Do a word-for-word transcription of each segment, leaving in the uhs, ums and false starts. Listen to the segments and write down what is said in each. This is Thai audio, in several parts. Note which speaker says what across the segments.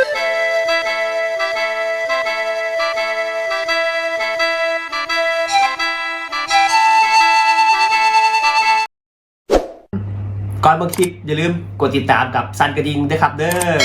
Speaker 1: ก่อนเบิ่งคลิปอย่าลืมกดติดตามกับซันกระดิ่งด้วยครับเด้อ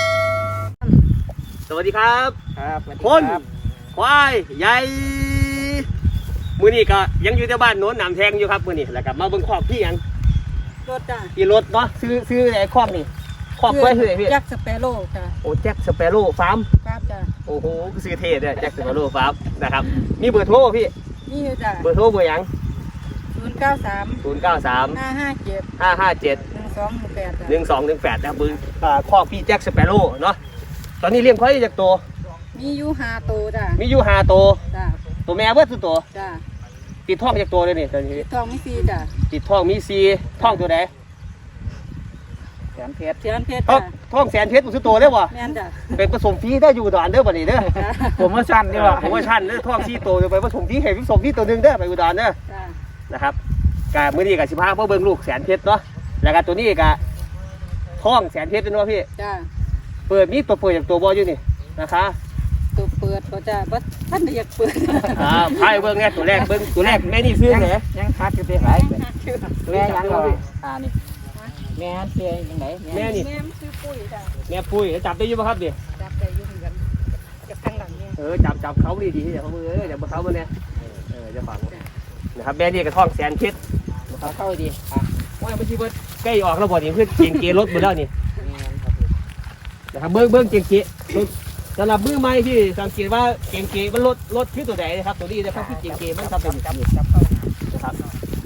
Speaker 1: สวัสดีครับ
Speaker 2: ครับ
Speaker 1: คนควายใหญ่มื้อนี้ก็ยังอยู่ที่บ้านโน้นหนามแทงอยู่ครับมื้อนี้แล้วก็มาเบิ่งคอกพี่ยัง
Speaker 2: รถจ้ะ
Speaker 1: พี่รถเนาะซื้อซื้อไอ้คอกนี่คอกควายคือไอ้พี่
Speaker 2: แจ็คสเปโร่จ้ะ
Speaker 1: โอ้แจ็คสเปโร่ฟาร์ม
Speaker 2: ครับจ้ะ
Speaker 1: โอ้โหซื้อเท่ด้วยแจ็คสเปโร่ฟาร์มนะครับมีเบอร์โทรพี่
Speaker 2: นี่จ้ะ
Speaker 1: เบอร์โทรเบอร์ยัง
Speaker 2: ศูนย์เก้าสาม
Speaker 1: ศูนย์เก้าสาม
Speaker 2: ห้าห้าเจ็ด
Speaker 1: ห้าห้าเจ็ด
Speaker 2: หนึ่งสองหนึ่งแปด
Speaker 1: หนึ่งสองหนึ่งแปดนะครับเบอร์คอกพี่แจ็คสเปโร่เนาะตอนนี้เลี้ยงควายจากตัว
Speaker 2: มีอยู่ห้าตัวจ้ะ
Speaker 1: มีอยู่ห้าตัว
Speaker 2: จ้ะ
Speaker 1: ตัวแม่เบิดตัว
Speaker 2: จ้ะ
Speaker 1: ติดท้องจากตัวเลยนี่ตอนนี้
Speaker 2: ติดทองมีซีจ้ะ
Speaker 1: ติดท้องมีซีท้องตัวไหน
Speaker 2: แสนเพชรแสนเพชร
Speaker 1: ท้องท้องแสนเพชรตัวตัวได้ป่ะ
Speaker 2: แม่นจ้ะ
Speaker 1: เป็นผสมฟรีได้อยู่อุดรเด้อบัดนี้เด้อผมว่าชั้นนี่ว่ะผมว่าชั้นเด้อท้องซีตัวไปผสมฟรีให้ผสมฟรีตัวนึงเด้อไปอุดรเด้อนะครับกะมื้อนี้กะสิพาพ่อเบิ่งลูกแสนเพชรเนาะแล้วก็ตัวนี้กะท้องแสนเพชรเป็นว่าพี่
Speaker 2: จ้ะ
Speaker 1: เปิดมีตัวเปิดจากตัวบ่อยู่นี่นะคะ
Speaker 2: ตัวเปิดก็จะบ่ท่านอยากเปิด
Speaker 1: อ่าพายเบิ่งแน่ตัวแรกเบิ่งตัวแรกแม่นี่ซื้อไหน
Speaker 2: ยังคัดอยู่ที่ไหนแม่ยังบ่อ่านี่แม่เสียยังไง
Speaker 1: แม่นี่
Speaker 2: แม่ชื่อปุ้ยจ้ะ
Speaker 1: แม่ปุ้ยจับได้อยู่ป่ะครับดิ
Speaker 2: จับได้อยู่เหมือนกันจับข้างหลังเนี่ย
Speaker 1: เออจับจับเขาดีๆเดี๋ยวเขามือเออเดี๋ยวเขามาเนี่ยเออจะฝังนะครับแม่นี่กระท่องแสนเพชร
Speaker 2: เขาเข้าดีอ่ะ
Speaker 1: ว่าไม่ใช่เบิร์ดใกล้ออกแล้วบ่นี่เพื่อเกียงเกรถหมดแล้วนี่นะครับเบิ้งเบิ้งเกียงเกสำหรับมือไม้ที่สังเกตว่าเกียงเกมันลดลดขึ้นตัวไหนนะครับตัวนี้นะครับที่เกียงเกมันทำเป็นแบบนี้นะครับ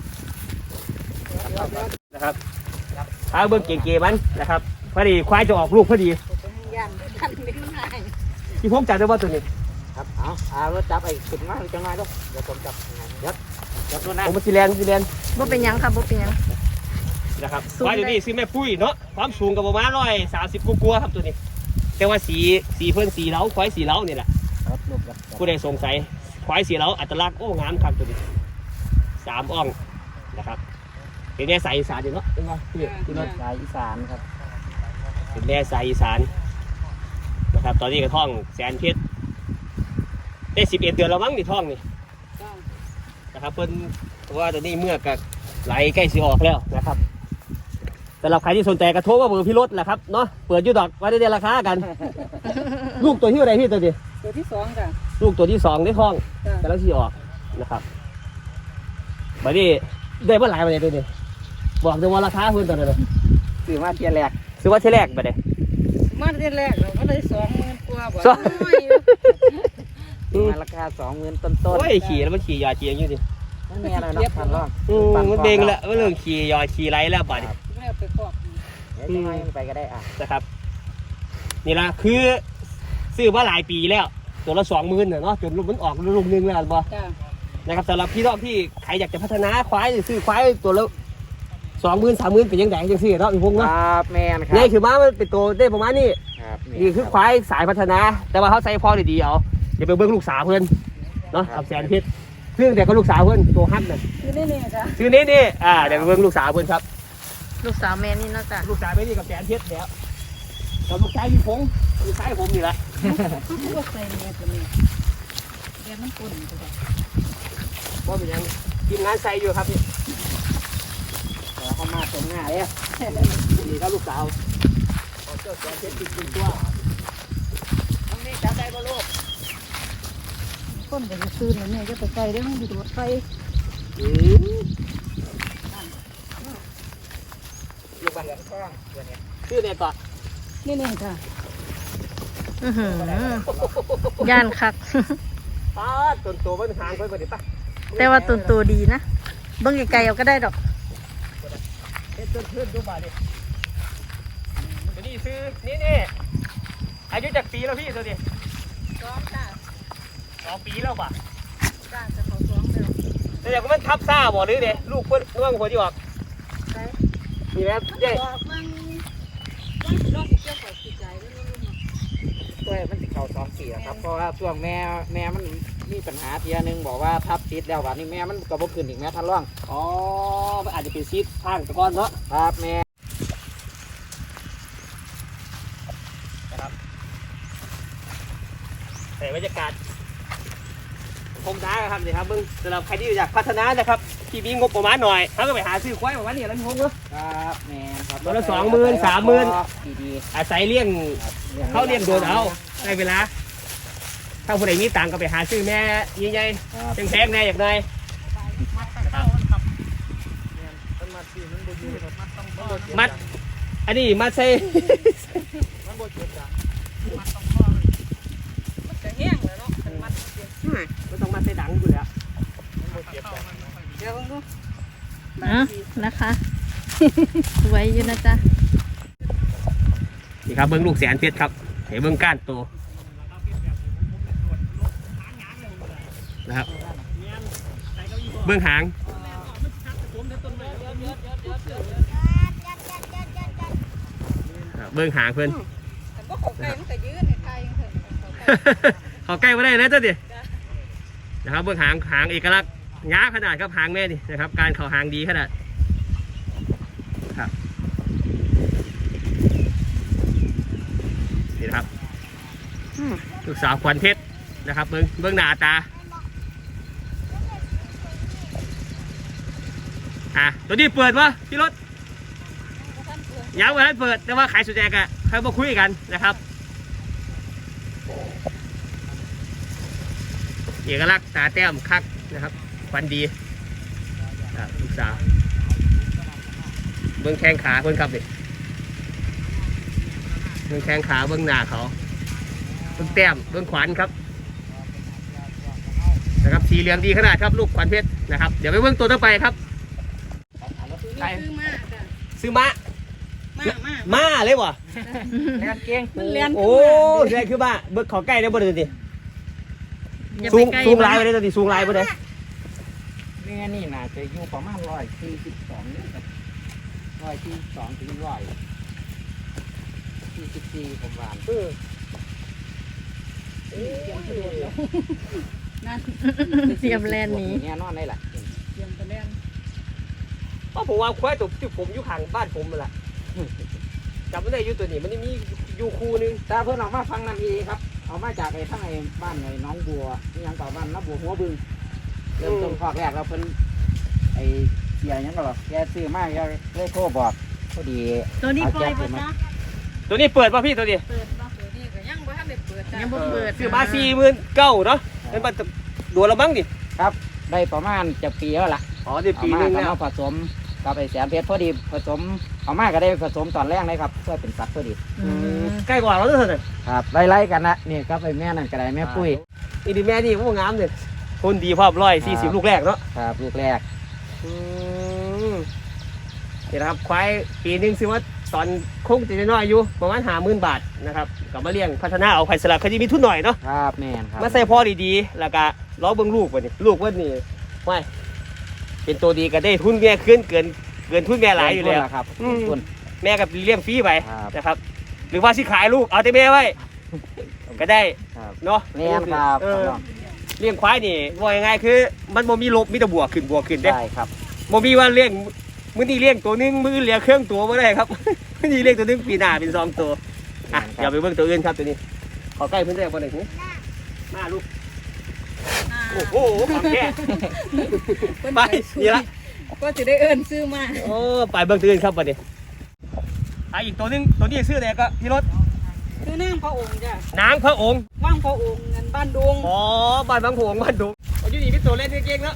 Speaker 1: นะครับถ้าเบิ้งเกียงเกมันนะครับพอดีควายจะออกลูกพอดีที่ผมจับได้ว่าตัวนี้
Speaker 2: ครับเอาเอารถจับไอ้ขึ้นมาจังไงลูกเดี๋ยวผมจับยัดยัดตัวนั้น
Speaker 1: ผมมาซีแลนซีแลน
Speaker 3: บ่เป็นยังค่ะบ่เป็นยัง
Speaker 1: นะครับควายตัวนี้ซื้อแม่ปุ้ยเนาะความสูงกับประมาณร้อยสามสิบกัวครับตัวนี้แต่ว่าสีสีเพื่อนสีเล้าควายสีเล้านี่แหละผู้ใดสงสัยควายสีเล้าอัตลักษณ์โอ้งามครับตัวนี้สามอ่องนะครับเป็นแม่สายอีสานอยู่เนาะเป็นไงพี่พี่รถ
Speaker 2: สายอีสานครับ
Speaker 1: เป็นแม่สายอีสานนะครับตอนนี้กระท่องแสนเพชรได้สิบเอ็ดเดือนแล้วมั้งนี่ท่องนี่นะครับเพิ่นว่าตัวนี้เมื่อกับไหลใกล้สิออกแล้วนะครับสำหรับใครที่สนใจกระโทรว่าเบอร์พี่รถแหละครับเนาะเปิดยูดอกว่าได้เดือนราคากันลูกตัวที่อะไรพี่ตัวนี้
Speaker 2: ตัวที่สองจ้ะ
Speaker 1: ลูกตัวที่สองได้ท้องกำลังสิออกนะครับบัดนี้ได้เมื่อไหร่บัดนี้ตัวนี้บอกเดี๋ยวว่าราคาเพิ่นตัวนี้เลย
Speaker 2: ซื้อมาเทียแรก
Speaker 1: ซื้อว่าเทียแรกบัดนี้
Speaker 2: มาเทียแรกเราก็ได้สองหมื่นกว่าบ่มาราคาสองหมื่นต้นๆ
Speaker 1: โอ้ยขี่แล้วมันขี่ยอขี่อย่างนี้ดิ
Speaker 2: มันแม่อะไรนะพันรอบ
Speaker 1: มันเด้งแล้วมันเรื่องขี่ยอขี่ไรแล้วบัดนี้
Speaker 2: ไปครอบยังไงไปก็ได้อ่ะ
Speaker 1: นะครับนี่ละคือซื้อมาหลายปีแล้วตัวละสองหมื่นเนาะจนลูกมันออกลูกนึงแล้วบ่นะครับสำหรับพี่น้องที่ใครอยากจะพัฒนาควายหรือซื้อควายตัวละสองหมื่นสามหมื่นเป็นยังไงยังซื้อเนาะพี่พงษ์เนาะ
Speaker 2: ครับแม่นครับ
Speaker 1: นี่คือม้ามันเป็นตัวได้ประมาณนี้นี่คือควายสายพัฒนาแต่ว่าเขาใส่พอดีๆเอาอย่าไปเบิ้งลูกสาวเพื่อนเนาะกับแสนเพชรซึ่งแต่ก็ลูกสาวเพื่อนตัวฮักนั่น
Speaker 2: ชื่อนี่นี่จ้ะ
Speaker 1: ชื่อนี้นี่อ่าเดี๋ยวไปเบิ้งลูกสาวเพื่อนครับ
Speaker 3: ลูกสาวแม่นี่เนาะจ้ะ
Speaker 1: ลูกสาวแม่นี่กับแสนเพชรแล้วกับลูกชายพี่พงษ์ลูกชายผมนี่แหละ
Speaker 2: ลูกใส่แม่ตัวนี้แม่มันปุ่นตัวนี้
Speaker 1: ว่าเป็นยังทีมงานใส่อยู่ครับพี่
Speaker 2: เขามาตรงหน้าเลย
Speaker 1: นี่ครับลูกสาวเจ้าแสนเพชรติดตัวตรงนี้จับได้ป่ะลูก
Speaker 2: ก้นเดี๋ยวจะซื้อเนี่ยจะไปใส่ได้มั้งดูดไฟ
Speaker 1: อืมลูกบ้านชื่อเนี่ยก่อน
Speaker 2: นี่นี่ค่ะ
Speaker 3: อือหือย่านคัก
Speaker 1: ป้าตุนโตมันห่างไปกว่านี้ป่ะ
Speaker 3: แต่ว่าตุนโตดีนะเบิ่งไกลๆเอาก็ได้ดอก
Speaker 1: เฮ็ดเพื่อนๆดูบ้านดิตัวนี้ซื้อนี่นี่อายุจากปีแล้วพี่ตัวนี้
Speaker 2: สองจ้ะ
Speaker 1: สองปีแล้วป่ะ
Speaker 2: จ้ะจะเขาสองแล้ว
Speaker 1: แต่อย่างมันทับซ่าบ่หรือเด้ลูกเพื่อนเรื่องหัวที่ออก
Speaker 2: ใช่
Speaker 1: มีไหมเย้
Speaker 2: ตัวมันติดเข่าสองสี่ครับเพราะว่าช่วงแม่แม่มันมีปัญหาเทียนึงบอกว่าทับติดแล้ววันนี้แม่มันกระบอกขึ้นอีกแม่ทันร่อง
Speaker 1: อ๋อมันอาจจะเป็นซีดข้างตะกอนเนาะ
Speaker 2: ครับแม่
Speaker 1: นะครับแต่บรรยากาศคมท้าครับนี่ครับมึงสำหรับใครที่อยากพัฒนานะครับที่มีงบประมาณหน่อยเขาก็ไปหาซื้อควายประมาณนี้แล้วพี่พงษ์เนาะ
Speaker 2: ครับแมนครับ
Speaker 1: ตัวละสองหมื่นสามหมื่น
Speaker 2: ดี
Speaker 1: อาศัยเลี้ยง
Speaker 2: ๆครับ
Speaker 1: เขาเลี้ยงโดนเอาได้เวลาถ้าผู้ใดมีตังค์ก็ไปหาซื้อแม่ใหญ่
Speaker 2: ครับ
Speaker 1: ๆแพงๆแน่อย่างไรมัดอันนี้มัดใส่
Speaker 3: จะแห้งเลยเนาะมัด
Speaker 1: ไม่ต้องมัดใส่ดังอยู่แล้ว
Speaker 3: เดี๋ยวดูอ่ะนะคะ สวยอยู่นะจ๊ะ
Speaker 1: นี่ครับเบิ้งลูกแสนเพชรครับเห็นเบิ้งก้านโตนะครับเบิ้งหางเบิ้งหางเพื่อน
Speaker 3: แต่ก็ของไก่มันก็ยืดในไทยเถอะ
Speaker 1: เขาใกล้มาได้นะเจ้าดินะครับเบื้องหางหางเอกลักษณ์ง้าขนาดครับหางแม่นี่นะครับการเข่าหางดีขนาดครับนี่นะครับลูกสาวขวัญเพชรนะครับเบื้องเบื้องหน้าตาอ่ะตัวนี้เปิดวะพี่รถยังไม่ทันเปิดแต่ว่าขายสุดแจกอะใครมาคุยกันนะครับเอกลักษณ์ตาแต้มคักนะครับฟันดีลูกสาวเบื้องแข้งขาเพื่อนครับดิเบื้องแข้งขาเบื้องหน้าเขาเบื้องแต้มเบื้องขวัญครับนะครับสีเหลืองดีขนาดครับลูกขวัญเพชรนะครับเดี๋ยวไปเบื้องตัวต่อไปครับ
Speaker 3: ซื้อมาจ้ะ
Speaker 1: ซื้อม้า
Speaker 3: มามา
Speaker 1: ม้าเลยวะ
Speaker 2: แม่นเก่ง
Speaker 3: มันเลียน
Speaker 1: โอ้ใช่คือม้าเบื้องเขาใกล้ได้บ่ได้ดิ
Speaker 3: อย่า
Speaker 1: สู
Speaker 3: ไป
Speaker 1: ง
Speaker 3: ใกล้
Speaker 1: สูงลายไปได้ตัวนี้สูงลายไปได้
Speaker 2: แม่นี่น่าจะอยู่ประมาณร้อยสี่สิบสองนี่ครับร้อยสี่สิบสองถึงร้อยสี่สิบสี่ผมว่า
Speaker 1: เออ
Speaker 3: นั่นเตรียมแลนหนี้
Speaker 2: แน่นอนได้แหละ
Speaker 3: เตรียมไปแลน
Speaker 1: เพราะผมว่าควายตัวที่ผมอยู่ข้างบ้านผมนั่นแหละจำไม่ได้อยู่ตัวนี้มันมีอยู่คู่นึง
Speaker 2: ตาเพื่อนออกมาฟังนั่นเองครับเอามาจากไอ้ทั้งไอ้บ้านไอ้น้องบัวนี่ยังต่อบ้านน้าบัวหัวบึงเริ่มต้นคอกแรกเราเพิ่นไอ้เสียยังก็หรอกแกซื้อมาแกเลยโทรบอกพอดี
Speaker 3: ตัวนี้ปล่อยปะจ๊ะ
Speaker 1: ตัวนี้เปิดป่ะพี่ตัวนี้
Speaker 3: เปิดป่ะตัวนี้ก็ยังบ่ทันได้เปิดจ้ะยังบ่เปิด
Speaker 1: ซื้อมาสี่หมื่นเก้าเนาะเป็นปัตดัวละมั้งดิ
Speaker 2: ครับได้ประมาณจะปีแล้วล่ะ
Speaker 1: อ๋อได้
Speaker 2: เอา
Speaker 1: ปี
Speaker 2: มา
Speaker 1: นึง
Speaker 2: ก็
Speaker 1: แล้ว
Speaker 2: มาผสมกับไอ้แสนเพชรพอดีผสมเอามาก็ได้ผสมตอนแรกเลยครับเพื่อเป็นสัตว์พอดี
Speaker 3: อืม
Speaker 1: ใกล้กว่าเราด้วยเถอะ
Speaker 2: ครับไล่ๆกันนะนี่ครับไอ้แม่นั่นก็ได้แม่ปุ้ย
Speaker 1: อีดีแม่นี่พวกงามเลยคนดีพร้อมร้อยสี่สิบลูกแรกเนาะ
Speaker 2: ครับลูกแรก
Speaker 1: อืมนี่นะครับควายปีหนึงซื้อมาตอนคงจะน้อยอยู่ประมาณห้าหมื่นบาทนะครับกลับมาเลี้ยงพัฒนาเอาไผ่สลับเขาจะมีทุนหน่อยเนาะ
Speaker 2: ครับแม่นครับ
Speaker 1: มาใส่พ่อดีๆแล้วก็ล้อเบิ้งลูกวันนี้ลูกวันนี้ไม่เป็นตัวดีก็ได้ทุนแม่ขึ้นเกินเกินทุนแม่หลายอยู่แล้ว
Speaker 2: ครับ
Speaker 1: อืม
Speaker 2: ต้น
Speaker 1: แม่กับเลี้ยงฟรีไป
Speaker 2: ครับ
Speaker 1: นะครับ หรือว่าสิขายลูกเอาแต่แม่ไว้ ก็ได้
Speaker 2: ครับ
Speaker 1: เนาะ
Speaker 2: แม่นครับ
Speaker 1: เออเลี้ยงควายนี่ว่ายังไงคือ มันบ่มีลบมีแต่บวกขึ้นบวกขึ้นเด้
Speaker 2: ได้ครับ
Speaker 1: บ่มีว่าเลี้ยงมื้อนี้เลี้ยงตัวหนึงมื้อเลี้ยงเครื่องตัวบ่ได้ครับ มื้อนี้เลี้ยงตัวหนึงปีหน้าเป็นสองตัวอ่ะอย่าไปเบิ่งตัวอื่นครับตัวนี้ขอใกล้เพิ่นได้บ่ได้หูมาลูกโอ้โหของแท้ไปนี่ละ
Speaker 3: ก็จะได้เอิ้นซื้อมา
Speaker 1: โอ้ไปเบิ่งตัวอื่นครับบัดนี้อ่ะอีกตัวหนึงตัวนี้ชื่ออะไรก็พี่รถ
Speaker 3: ซื้อนางพระองค์จ้ะ
Speaker 1: นางพระองค์
Speaker 3: ว่างพระองค์เงินบ้านดวง
Speaker 1: อ๋อบ้านบางโผงบ้านดุงเอาอยู่นี่เป็นตัวเล่นเก่งๆแล้ว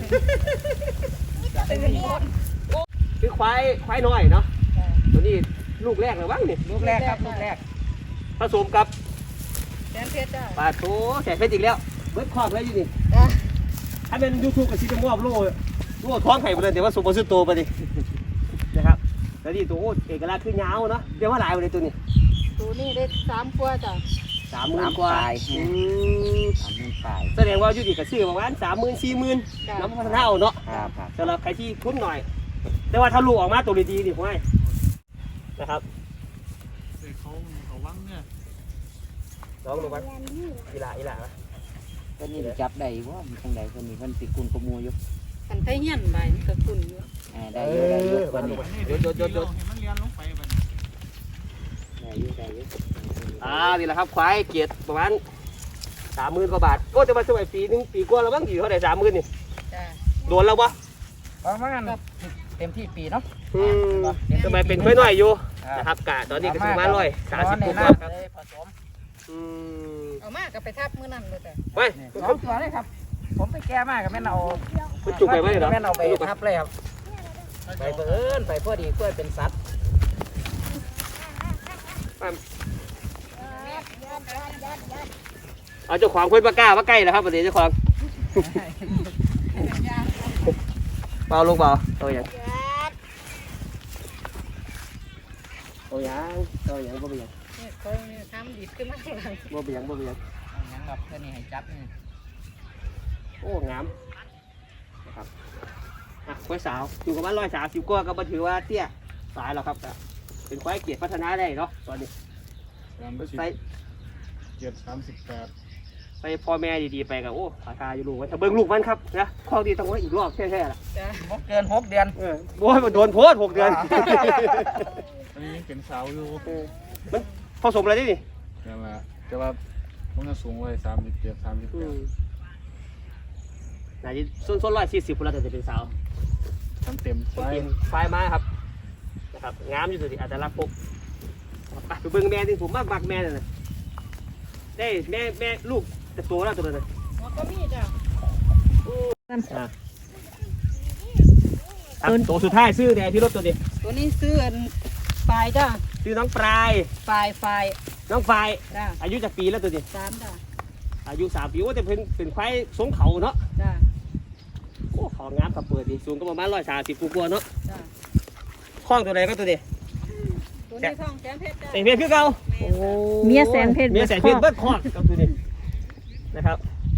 Speaker 3: เป็นคน
Speaker 1: คือควายควายน้อยเนาะตัวนี้ลูกแรกเลยบ้างนี่
Speaker 2: ลูกแรกครับลูกแรก
Speaker 1: ผสมกับ
Speaker 3: แสนเพชรจ้ะ
Speaker 1: ปลาโถแสนเพชรอีกแล้วเบิดคอกแล้วอยู่นี่
Speaker 3: จ้ะ
Speaker 1: ถ้าเป็นยูทูบกับซิจะมอบโล่โล่ท้องไข่ไปเลยเดี๋ยวว่าสมบูรณ์สุดโตไปดินะครับแล้วนี่ตัวโอ้เอกลักษณ์คือยาวเนาะเดี๋ยวว่าหลายไปเลยตัวนี้
Speaker 3: ตัวนี้ได้สามกว่าจ้ะ
Speaker 1: สามหมื่นกว่าอืม
Speaker 2: สามหมื่นปลาย
Speaker 1: แสดงว่าอยู่ดีกับซื้อประมาณสามหมื่นสี่หมื่นน้ำพัฒนาเอาเนาะ
Speaker 2: ครับครับ
Speaker 1: สำหรับใครที่ทุนหน่อย แต่ว่าถ้าลูกออกมาตัวดีๆดิผมให้นะครับ
Speaker 4: เขาเขาวังเนี่ย
Speaker 1: น้องลงมาอีหล่าอีหล่า
Speaker 2: ตัวนี้จับได้ว่ามีทางใดตัวนี้เพิ่นสิกุนขโมยอยู่
Speaker 3: กันไทยเฮียนใบมันก็คุณอยู่
Speaker 2: อ่าได้อยู่ได้อยู่ตัวนี้
Speaker 1: หยุดหยุดหยุดหยุด
Speaker 4: เห็นมันเรียนลงไปแบบ
Speaker 2: ได้อยู่ได้อยู่
Speaker 1: อ่านี่แหละครับควายเกียรติประมาณสามหมื่นกว่าบาทก็จะมาสมัยปีหนึงปีกว่าแล้วมั้งอยู่เท่าไหร่สามหมื่นนี่
Speaker 3: จ้า
Speaker 1: โดนแล้ววะ
Speaker 2: ประมาณเต็มที่ปีเนาะ
Speaker 1: อืมสมัยเป็นค่อยน้อยอยู่นะครับกะตอนนี้ก็ถึงมาร้อยสามสิบกว่าครับ
Speaker 2: เลยผสม
Speaker 1: อืม
Speaker 3: เอามากกับไปทับมื้อนั้นเลยแต่
Speaker 1: ไป
Speaker 2: สองตัวเลยครับ ผมไปแก้มากกับแม่นเอา
Speaker 1: คุณจุกไปไหมเหรอ
Speaker 2: แม่นเอาไปทับเลยครับไปเพิ่นไปเพื่อดีเพื่อเป็นสัตว์
Speaker 1: เอาเจ้าของเพื่อนปากล้ามาใกล้แล้วครับประเดี๋ยวเจ้าของเบาลงเบาตัวอย่างตัวอย่างตัวอย่างบ่เป็นอย่าง
Speaker 3: นี่เขาทำดีขึ้นมากเลย
Speaker 1: บ่เป็นอย่างบ่เป็นอย่าง
Speaker 2: ยังแบบเพื่อนนี่ให้จับนี่
Speaker 1: โอ้งามนะครับอ่ะควายสาวอยู่กับมันร้อยสามสิบกว่าก็มาถือว่าเตี้ยสายแล้วครับก็เป็นควายเกียรติพัฒนาได้เนาะตอนนี้
Speaker 4: สามสิบ
Speaker 1: ไป
Speaker 4: เจ็ดสามสิบแปด
Speaker 1: ไปพ่อแม่ดีๆไปกับโอ้ขาตาอยู่ลูกไว้ถ้าเบิ่งลูกมันครับนะข้อดีต้องไว้อีกรอบแค่ๆล่ะ
Speaker 3: จ้า
Speaker 2: หกเดือนหกเดือน
Speaker 1: เออโอ้ยมันโดนโพสหกเดือน
Speaker 4: อันนี้ยังเป็นสาวอยู่
Speaker 1: เออมันผสมอะไรได้นี่
Speaker 4: นั่นแหละแต่ว่ามันก็สูงไว้สามสิบเจ็ดสามสิบแปด
Speaker 1: ไหนจะส้นส้นร้อยสี่สิบคนละแต่จะเป็นสาว
Speaker 4: ทำเต็ม
Speaker 1: ผม
Speaker 4: ไฟ
Speaker 1: กินไฟมาครับนะครับงามอยู่ตัวนี้อาจจะรักพกไปไปเบิ่งแม่ที่ผมมากบักแม่เลยนะได้แม่แม่ลูกจะโตแล้วตัวนั้นนะ
Speaker 3: หัวก็มีจ้า
Speaker 1: ครับตัวสุดท้ายซื้อแดงที่รถตัวนี้
Speaker 3: ตัวนี้ซื้ออันปลายจ้า
Speaker 1: ซื้อน้องปลาย
Speaker 3: ปลายปลาย
Speaker 1: น้องฝ่าย
Speaker 3: จ้า
Speaker 1: อายุจากปีแล้วตัวนี้
Speaker 3: สามจ้า
Speaker 1: อายุสามปีว่าจะเป็นเป็นควายสงเขาเนาะ
Speaker 3: จ้า
Speaker 1: โอ้เขางามกับเปิดดีสูงก็ประมาณร้อยสามสิบกว่าๆเนาะ
Speaker 3: จ้า
Speaker 1: คล้องตัวไหนก็ตัวนี้
Speaker 3: ตัวนี้ท้องแสนเพชรจ้า
Speaker 1: เสียงเพชรคือเก่า
Speaker 3: เมียแสนเพชร
Speaker 1: เมียแสนเพชรเบิดคอกกับตัวนี้นะครับ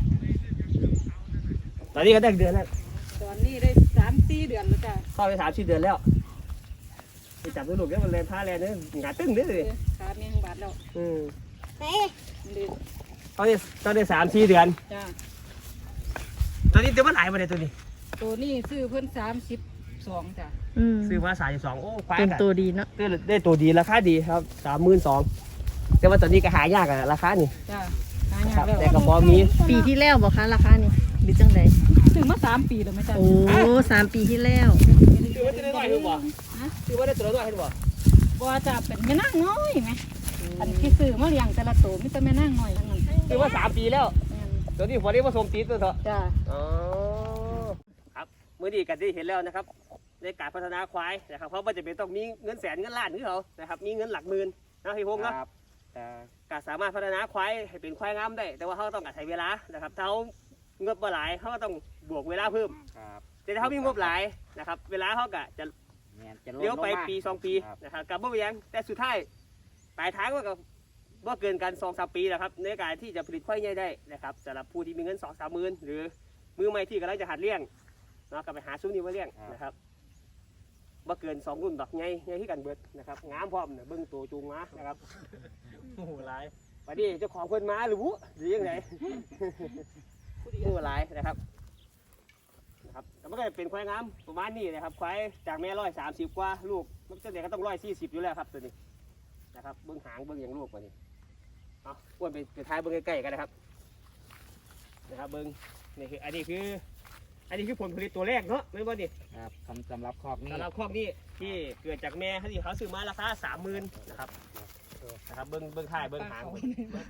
Speaker 1: ตอนนี้ก็ได้เดือนแล้ว
Speaker 3: ตอนนี้ได้สามสี่เดือนแล้วจ้า
Speaker 1: เข้าไปสามสี่เดือนแล้วไปจับตัวลูกแล้วมันแลนท่าแลนเนี่ยหงาตึ้งเลย
Speaker 3: ขาเมียงบาทแล้ว
Speaker 1: อืม
Speaker 3: ดื้อ
Speaker 1: ตอนนี้ตอนนี้สามสี่เดือน
Speaker 3: จ้า
Speaker 1: ตอนนี้เดี๋ยวมันหลายมาเลยตัวนี้
Speaker 3: ตัวนี้ซื้อเพิ่นสามสิบสองจ้า
Speaker 1: ซื้อมาสามสิบสองโอ้ควาย
Speaker 3: เต็ม
Speaker 1: กัน
Speaker 3: ตัวดีเนาะ
Speaker 1: ได้ได้ตัวดีราคาดีครับสามหมื่นสองแต่ว่าตอนนี้ก็หายากอะราคานี่
Speaker 3: จ้าหายา
Speaker 1: ครั
Speaker 3: ก
Speaker 1: บ
Speaker 3: แล้ว
Speaker 1: แต่กระบอกมี
Speaker 5: ปีที่แล้วบอกคะราคานี่หรือจังได
Speaker 3: ซื้อมาสามปีแล้วไหมจ้า
Speaker 5: โอ้สามปีที่แล้ว
Speaker 1: ซื้อว่าจะได้น้อยหรือเปล่าซื้อว่าได้ตัวน้อยหรือเปล่า
Speaker 3: บ่จะเป็นแม่นางน้อยไหมอันที่ซื้อมาเลี้ยงแต่ละตัวมีแต่แม่นางน้อยทั้งนั้น
Speaker 1: ซื้อว่าสามปีแล้ว
Speaker 3: แม่น
Speaker 1: ตัวนี้พอได้ผสมตีตัวเถอะ
Speaker 3: จ้า
Speaker 1: อ๋อครับมื้อนี้กันที่เห็นแล้วนะครับในการพัฒนาควายนะครับเพราะว่าจะเป็นต้องมีเงินแสนเงินล้านนี่เขานะครับมีเงินหลักหมื่นนะพี่พงษ์เนาะ
Speaker 2: ครับแต่
Speaker 1: ก็สามารถพัฒนาควายให้เป็นควายงามได้ แต่ว่าเขาต้องอาศัยเวลานะครับถ้าเขาเงบมาหลายเขาก็ต้องบวกเวลาเพิ่ม
Speaker 2: ครับ
Speaker 1: แต่ถ้าเขามีงบหลายนะครับเวลาเขาก็จะ
Speaker 2: แม่นจะลด
Speaker 1: เลี้ยวไป
Speaker 2: ลงมา
Speaker 1: ปีสองปี
Speaker 2: ครับ
Speaker 1: นะครับกับบ่เวียงแต่สุดท้ายปลายทางก็กับว่าเกินกันสองสามปีนะครับในการที่จะผลิตควายใหญ่ได้นะครับสำหรับผู้ที่มีเงินสองสามหมื่นหรือมือใหม่ที่กำลังจะหัดเลี้ยงเนาะก็ไปหาซุ้มนี้มาเลี้ยงนะครับว่าเกินสองรุ่นดอกใหญ่ใหญ่ที่กันเบิดนะครับงามพร้อมเนี่ยเบิ้งตัวจูงมานะครับโอ้โหหลายไปดิเจ้าของคนมาหรือวุหรือยังไง ผู้หลายนะครับนะครับแต่มันก็เป็นควายงามประมาณนี้นะครับควายจากแม่ร้อยสามสิบกว่าลูกมันจะเด็กก็ต้องร้อยสี่สิบอยู่แล้วครับตัวนี้นะครับเบื้องหางเบื้องอย่างลูกกว่านี้เอาอ้วนไปไปท้ายเบื้องใกล้ๆกันนะครับนะครับเบื้องนี่คืออันนี้คือ อันนี้คือผลผลิตตัวแรกเนาะไม่ว่าดิ
Speaker 2: ครับสำสำหรับคอกนี้
Speaker 1: สำหรับคอกนี้ที่เกิดจากแม่ที่เขาซื้อมาราคาสามหมื่นนะครับนะครับเบื้องเบื้องท้ายเบื้องหางเบิ่ง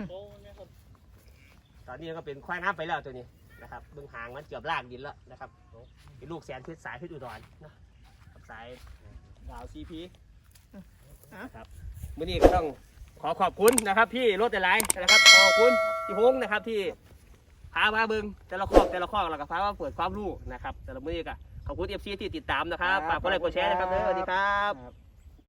Speaker 1: ตอนนี้ก็เป็นควายงามไปแล้วตัวนี้นะครับเบื้องหางมันเกือบลากดินแล้วนะครับเป็นลูกแสนเพชรสายเพชรอุดรเนาะกับสายดาวซีพีนะครับมื่อนี้ก็ต้องขอขอบคุณนะครับพี่รถแต่ไรนะครับขอบคุณพี่พงษ์นะครับที่พามาเบิ้งแต่ละข้อแต่ละข้อแล้วก็พามาเปิดความรู้นะครับแต่ละมื่อนี้ก็ขอบคุณเอฟซีที่ติดตามนะครับฝากกดไลค์กดแชร์นะครับเด้อสวัสดีครับ
Speaker 2: ครับ